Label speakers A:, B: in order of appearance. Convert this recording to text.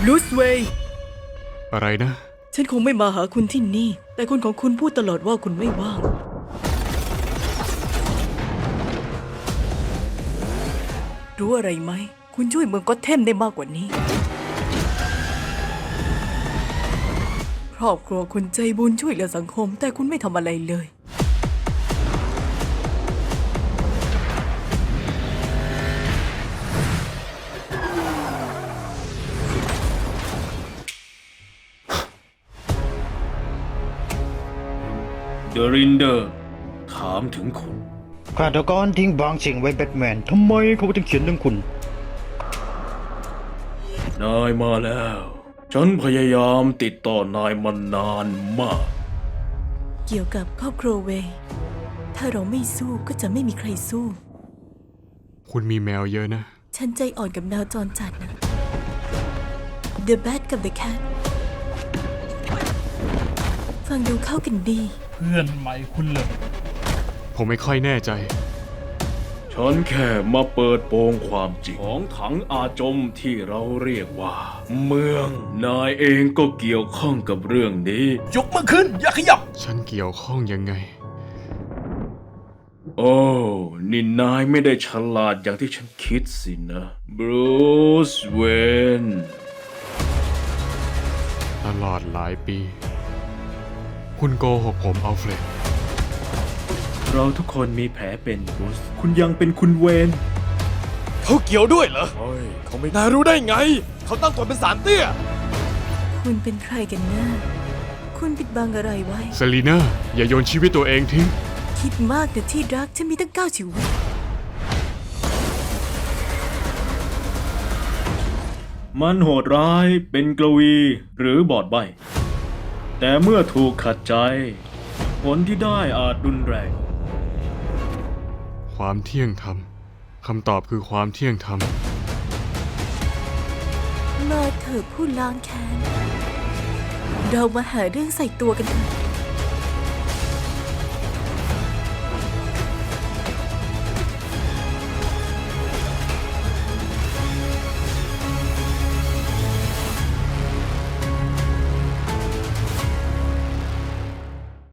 A: ลูสเวย์
B: อะไรนะ
A: ฉันคงไม่มาหาคุณที่นี่แต่คนของคุณพูดตลอดว่าคุณไม่ว่างรู้อะไรไหมคุณช่วยเมืองก็อตแทมได้มากกว่านี้ครอบครัวคุณใจบุญช่วยเหลือสังคมแต่คุณไม่ทำอะไรเลย
C: เดอะรินเดอร์ถามถึงคุณ
D: ฆาตกรทิ้งบางสิ่งไว้แบทแมนทำไมเขาถึงเขียนเรื่องคุณ
C: นายมาแล้ว ฉันพยายามติดต่อนายมานานมาก
A: เกี่ยวกับครอบครัวเวย์ถ้าเราไม่สู้ก็จะไม่มีใครสู้
B: คุณมีแมวเยอะนะ
A: ฉันใจอ่อนกับแมวจรจัดนะ The Bat กับ The Cat ฟังดูเข้ากันดี
E: เพื่อนใหม่คุณเลย
B: ผมไม่ค่อยแน่ใจ
C: ฉันแค่มาเปิดโปงความจริงของถังอาจมที่เราเรียกว่า เมือง นายเองก็เกี่ยวข้องกับเรื่องนี้
E: ยกมือขึ้น อย่าขยับ
B: ฉันเกี่ยวข้องยังไง
C: โอ้นี่นายไม่ได้ฉลาดอย่างที่ฉันคิดสินะบรูซเวน
B: ตลอดหลายปี คุณโกหกผมอัลเฟรด
C: เราทุกคนมีแผลเป็นบรูซคุณยังเป็นคุณเวน
F: เขาเกี่ยวด้วยเหรอ
C: โอ้ย
F: เขาไม่น่ารู้ได้ไง เขาตั้งตัวเป็นสารเตี้ย
A: คุณเป็นใครกันแน่คุณปิดบังอะไรไว้
B: เซรีน่าอย่าโยนชีวิตตัวเองทิ้ง
A: คิดมากแต่ที่รักฉันมีตั้ง9 ชีวิต
C: มันโหดร้ายเป็นกลวีหรือบอดใบ แต่เมื่อถูกขัดใจ ผลที่ได้อาจรุนแรง
B: ความเที่ยงธรรม คำตอบคือความเที่ยงธรรม
A: มาเถอะผู้ล้างแค้น เรามาหาเรื่องใส่ตัวกันเถอะ